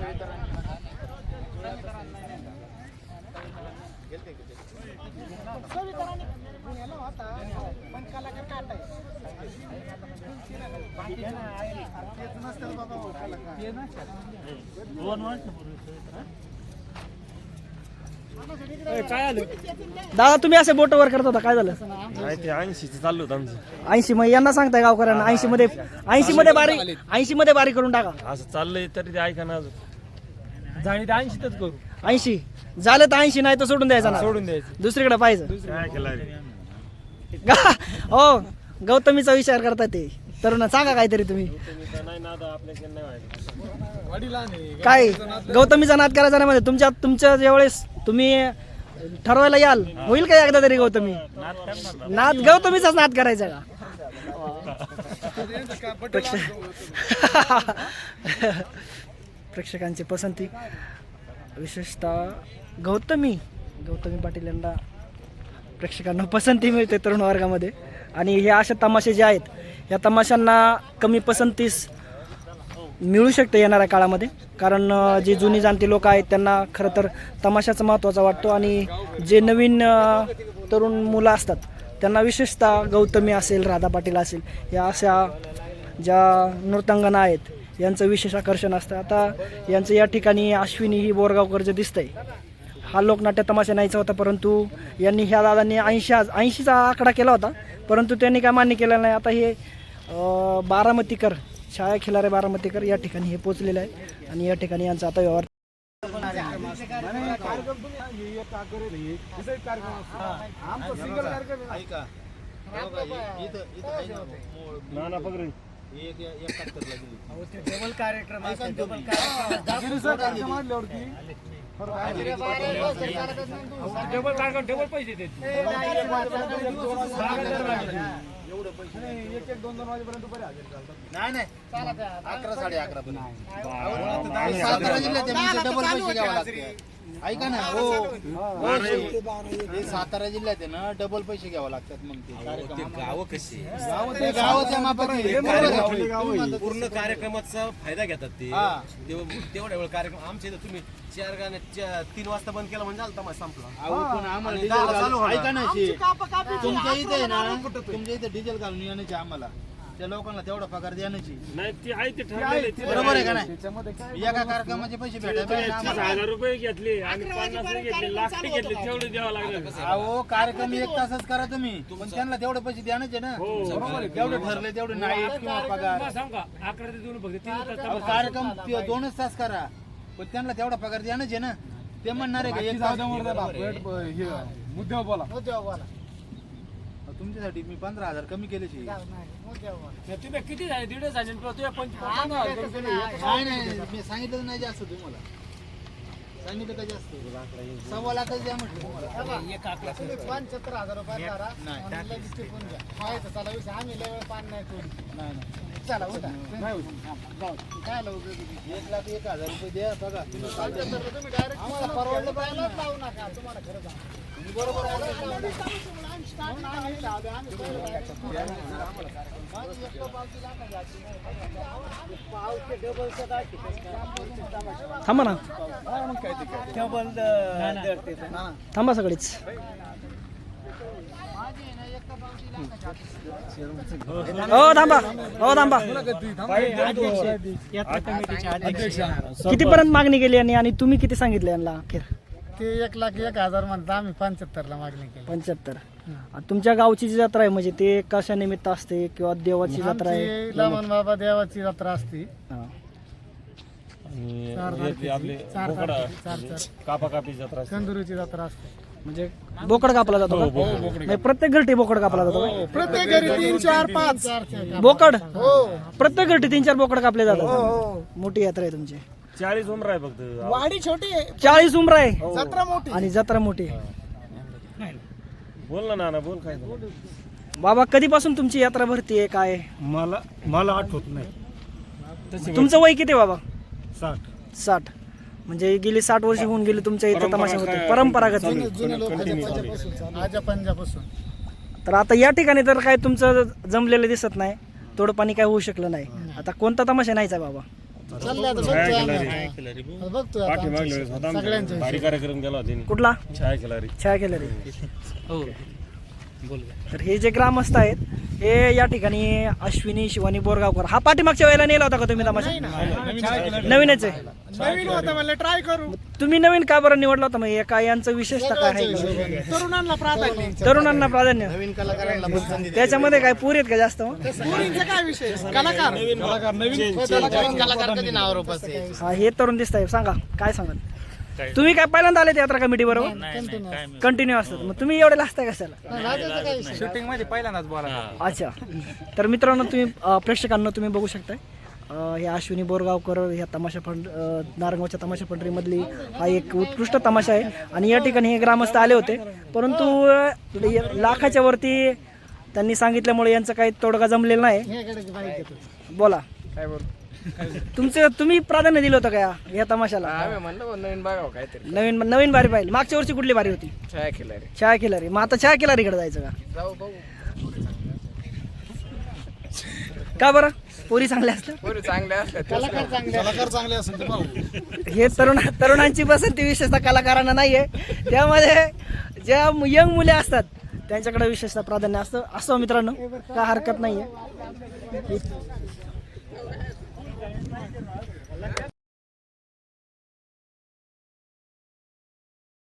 दादा तुम्ही असे बोट वर करत होता, काय झालं? ते 80 चालू होतं आमचं. 80 मग यांना सांगताय गावकऱ्यांना 80 मध्ये बारी करून टाका. असं चाललंय तरी ते ऐका ना अजून. जाणी ते 80च करू. 80 झालं तर 80, नाही तर सोडून द्यायचं ना, सोडून द्यायचं. दुसरीकडे पाहिजे. काय केलं रे? हो गौतमीचा विचार करता ते तरुण, सांगा काहीतरी तुम्ही. नाही नाद आपल्याकडे नाही व्हायचं. काय गौतमीचा नाद करायचा नाही म्हणजे तुमच्या ज्यावेळेस तुम्ही ठरवायला याल, होईल का एकदा तरी गौतमी नाद? गौतमीचाच नाद करायचा का? प्रेक्षकांची पसंती विशेषतः गौतमी पाटील यांना प्रेक्षकांना पसंती मिळते तरुण वर्गामध्ये. आणि हे असे तमाशे जे आहेत, या तमाशांना कमी पसंतीस मिळू शकते येणाऱ्या काळामध्ये, कारण जे जुनी जाणती लोक आहेत त्यांना खरं तर तमाशाचा महत्त्वाचा वाटतो. आणि जे नवीन तरुण मुलं असतात त्यांना विशेषतः गौतमी असेल, राधा पाटील असेल, या अशा ज्या नृत्यांगना आहेत यांचं विशेष आकर्षण असतं. आता यांचं या ठिकाणी अश्विनी ही बोरगावकर जे दिसतंय, हा लोकनाट्य तमाशा नाहीचा होता, परंतु यांनी ह्या दादांनी 80चा आकडा केला होता, परंतु त्यांनी काय मान्य केलं नाही. आता हे बारामतीकर, छाया खिलारे बारामतीकर या ठिकाणी हे पोचलेले आहे आणि या ठिकाणी यांचा आता व्यवहार. नाही 11 11:30 पर्यंत. सातारा जिल्ह्यात डबल पैसे घ्यावे लागते. ऐका ना, हो सातारा जिल्ह्यात आहे ना, डबल पैसे घ्यावे लागतात. मग ते गाव कशी गावाच्या मापात पूर्ण कार्यक्रमाचा फायदा घेतात ते. तेवढ्या वेळ कार्यक्रम आमच्या इथं तुम्ही 4 गाण्या 3 वाजता बंद केला म्हणजे झालं तमाशा संपला. पण आम्हाला ऐका ना, तुमच्या इथे आहे ना, तुमच्या इथे डिझेल घालून येण्याची आम्हाला त्या लोकांना तेवढा पगार द्यायची नाही. ते आहे ते ठरलेलं. बरोबर आहे का नाही? एका कार्यक्रमाचे पैसे भेटायचे. 30,000 रुपये घेतले आणि 50 घेतले, लाख घेतले, तेवढे द्यावं लागलं. अहो कार्यक्रम 1 तासच करा तुम्ही, पण त्यांना तेवढे पैसे द्यायचे ना. तेवढे ठरले तेवढे नाईट किंवा पगार. सांगा 11 ते 2 फक्त 3 तास. कार्यक्रम 2च तास करा, पण त्यांना तेवढा पगार द्यायचे ना. ते म्हणणार आहे का 1 तास मुद्द्यावर बोला. तुमच्यासाठी मी 15,000 कमी केले. तुम्ही किती झाले? 1.5 झाले. नाही मी सांगितलं नाही जास्त. तुम्हाला सांगितलं का जास्त? 1.25 लाखच द्या म्हटलं तुम्हाला. 75,000 रुपये करा. आम्ही लय वेळ पान नाही सोडली. नाही चला उठा. काय 1,01,000 रुपये द्या. बघा तुम्ही डायरेक्ट आम्हाला परवडलं पाहिजे. जाऊ नका, तुम्हाला खरं सांग. बरोबर थांबा ना, थांबा सगळीच. हो थांबा, हो थांबा. कितीपर्यंत मागणी केली आणि तुम्ही किती सांगितले यांना अखेर? ते 1,01,000 म्हणता, आम्ही 75 मागणी केली. 75. तुमच्या गावची जी जत्रा आहे म्हणजे ते कशा निमित्त असते किंवा देवाची जत्रा आहे? लमन बाबा देवाची जत्रा असते. कापाकापी जत्रा, कंदुरीची जत्रा असते. म्हणजे बोकड कापला जातो का? म्हणजे प्रत्येक घरटी बोकड कापला जातो का? प्रत्येक घरी 3, 4, 5 बोकड. प्रत्येक घरटी 3-4 बोकड कापले जातात. मोठी यात्रा आहे तुमची. 40 उमरा आहे फक्त. वाडी छोटी आहे, 40 उमरा आहे जत्रा मोठी आणि जत्रा मोठी आहे. बोल ना नाना, बोल. काय बाबा कधीपासून तुमची यात्रा भरती आहे? काय मला आठवत नाही. तुमचं वय किती बाबा? 60. म्हणजे गेली 60 वर्ष होऊन गेली तुमच्या इथं तमाशा होते, परंपरागत. जुने लोक आजा पंजापासून. तर आता या ठिकाणी तर काय तुमचं जमलेलं दिसत नाही, थोडं पाणी काय होऊ शकलं नाही. आता कोणता तमाशा नाहीचा बाबा? चाललंय आता बघतोय आम्ही. बघतोय आता आमच्या सगळ्यांच्या भारी कार्यक्रम केला होता त्यांनी. कुठला छाया खिलारी. छाया केलरी. तर हे जे ग्रामस्थ आहेत हे या ठिकाणी अश्विनी शिवानी बोरगावकर हा पाठीमागच्या वेळेला नेला होता का तुम्ही तमाशा? नवीनच आहे. नवीन होतं म्हणलं ट्राय करू. तुम्ही नवीन का बरं निवडला होता? मग काय यांचं विशेषता काय आहे? तरुणांना प्राधान्य. तरुणांना प्राधान्य. नवीन कलाकारांना पसंती देतो. त्याच्यामध्ये काय पुरी आहेत का जास्त मग? मुलींचा काय विषय? कलाकार नवीन कलाकार कधी नावावर उपस्थित. हा हे तरुण दिसत आहे. सांगा काय सांगाल? तुम्ही काय पहिल्यांदा आले यात्रा कमिटी बरोबर? कंटिन्यू असतात. मग तुम्ही एवढे लाजताय कशाला? शूटिंग मध्ये पहिल्यांदाच बोला. अच्छा. तर मित्रांनो तुम्ही प्रेक्षकांना तुम्ही बघू शकताय हे अश्विनी बोरगावकर ह्या तमाशा फंड नारंगावच्या तमाशा पंढरीमधली हा एक उत्कृष्ट तमाशा आहे आणि या ठिकाणी हे ग्रामस्थ आले होते परंतु लाखाच्या वरती त्यांनी सांगितल्यामुळे यांचं काही तोडगा जमलेला नाही. बोला काय बोल तुम्ही प्राधान्य दिलं होतं का या तमाशाला? नवीन बघावं काहीतरी. नवीन बारी पाहिली. मागच्या वर्षी कुठली बारी होती? छाया खिलारी. छाया खिलारी. मग आता छाया खिलारीकडे जायचं का? जाऊ बघू. का बरं? पोरी चांगल्या असतात. पोरी चांगल्या असतात. कलाकार चांगले असेल. हे तरुणांची पसंती विशेषतः कलाकारांना नाहीये. त्यामध्ये ज्या यंग मुले असतात त्यांच्याकडे विशेषतः प्राधान्य असतं मित्रांनो. काय हरकत नाहीये.